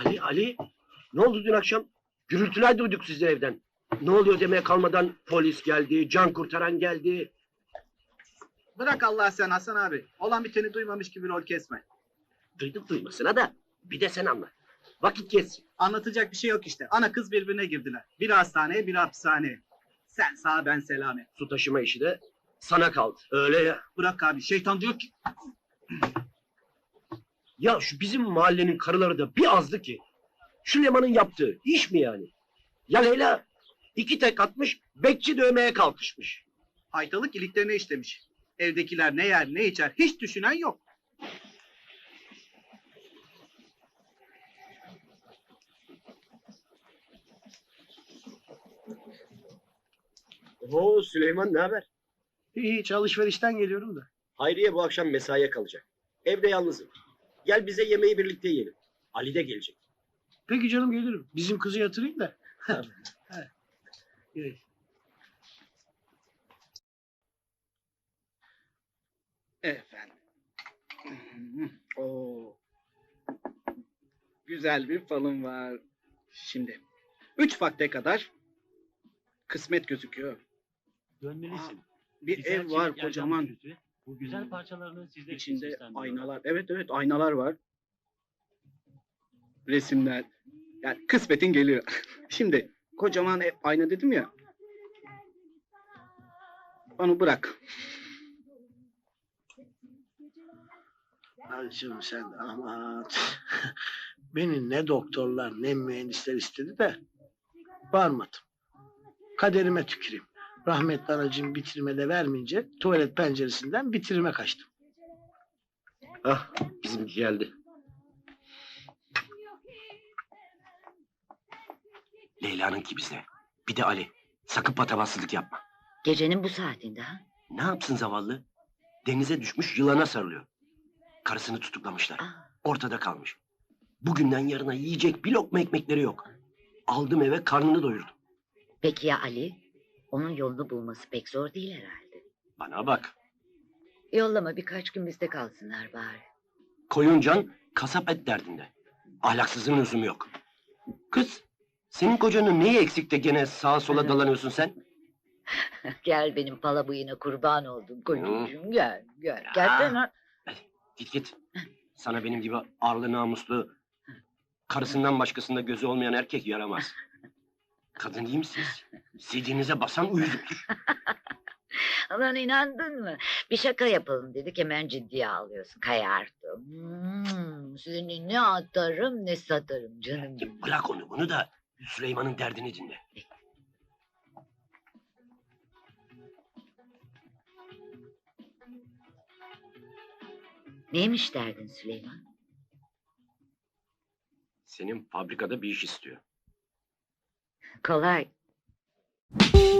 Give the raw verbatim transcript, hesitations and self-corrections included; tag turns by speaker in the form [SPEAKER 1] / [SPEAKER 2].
[SPEAKER 1] Ali, Ali, ne oldu dün akşam? Gürültüler duyduk sizi evden. Ne oluyor demeye kalmadan polis geldi, can kurtaran geldi.
[SPEAKER 2] Bırak Allah sen Hasan abi. Olan biteni duymamış gibi rol kesme.
[SPEAKER 1] Duyduk duymasına da bir de sen anla. Vakit geçsin.
[SPEAKER 2] Anlatacak bir şey yok işte. Ana kız birbirine girdiler. Biri hastaneye, biri hapishaneye. Sen sağ, ben selamet.
[SPEAKER 1] Su taşıma işi de sana kaldı. Öyle ya.
[SPEAKER 2] Bırak abi. Şeytan diyor ki...
[SPEAKER 1] Ya şu bizim mahallenin karıları da bir azdı ki. Şu Leman'ın yaptığı iş mi yani? Ya Leyla iki tek atmış, bekçi dövmeye kalkışmış.
[SPEAKER 2] Haytalık iliklerine işlemiş. Evdekiler ne yer ne içer hiç düşünen yok.
[SPEAKER 1] Oo Süleyman ne haber?
[SPEAKER 2] Hiç alışverişten geliyorum da.
[SPEAKER 1] Hayriye bu akşam mesaiye kalacak. Evde yalnızım. Gel bize yemeği birlikte yiyelim. Ali de gelecek.
[SPEAKER 2] Peki canım gelirim. Bizim kızı yatırayım da. Evet. Efendim. Oo. Güzel bir falım var. Şimdi. Üç vakte kadar kısmet gözüküyor.
[SPEAKER 3] Dönmelisin.
[SPEAKER 2] Bir
[SPEAKER 3] Güzel
[SPEAKER 2] ev var
[SPEAKER 3] çelik yerden
[SPEAKER 2] kocaman.
[SPEAKER 3] flütü, Bu güzel parçalarını sizler için
[SPEAKER 2] İçinde
[SPEAKER 3] seslendiriyorum.
[SPEAKER 2] aynalar. Evet evet aynalar var. Resimler. Yani kısmetin geliyor. Şimdi kocaman ev, ayna dedim ya. Onu bırak.
[SPEAKER 4] Hacım sen aman. Beni ne doktorlar ne mühendisler istedi de varmadım. Kaderime tüküreyim. Rahmetli anacığım bitirmede vermeyince tuvalet penceresinden bitirime kaçtım.
[SPEAKER 1] Ah bizimki geldi. Leyla'nınki bizde. Bir de Ali. Sakın patavatsızlık yapma.
[SPEAKER 5] Gecenin bu saatinde ha?
[SPEAKER 1] Ne yapsın zavallı? Denize düşmüş yılana sarılıyor. Karısını tutuklamışlar.
[SPEAKER 5] Aa,
[SPEAKER 1] Ortada kalmış. Bugünden yarına yiyecek bir lokma ekmekleri yok. Aldım eve karnını doyurdum.
[SPEAKER 5] peki ya Ali? Onun yolunu bulması pek zor değil herhalde.
[SPEAKER 1] Bana bak.
[SPEAKER 5] Yollama birkaç gün bizde kalsınlar bari.
[SPEAKER 1] Koyuncan kasap et derdinde. Ahlaksızın lüzumu yok. Kız senin kocanın neyi eksik de gene sağa sola dalanıyorsun sen?
[SPEAKER 5] Gel benim pala bıyığına kurban oldum kocacığım gel gel. Gelsene.
[SPEAKER 1] Git git. Sana benim gibi arlı namuslu, karısından başkasında gözü olmayan erkek yaramaz. Kadın iyi misiniz? Sidinize basan uyuzluktur.
[SPEAKER 5] Lan inandın mı? Bir şaka yapalım dedik hemen ciddiye alıyorsun. Kayardım. Hmm, seni ne atarım ne satarım canım.
[SPEAKER 1] Ya bırak onu bunu da Süleyman'ın derdini dinle.
[SPEAKER 5] Neymiş derdin Süleyman?
[SPEAKER 1] Senin fabrikada bir iş istiyor.
[SPEAKER 5] Kolay.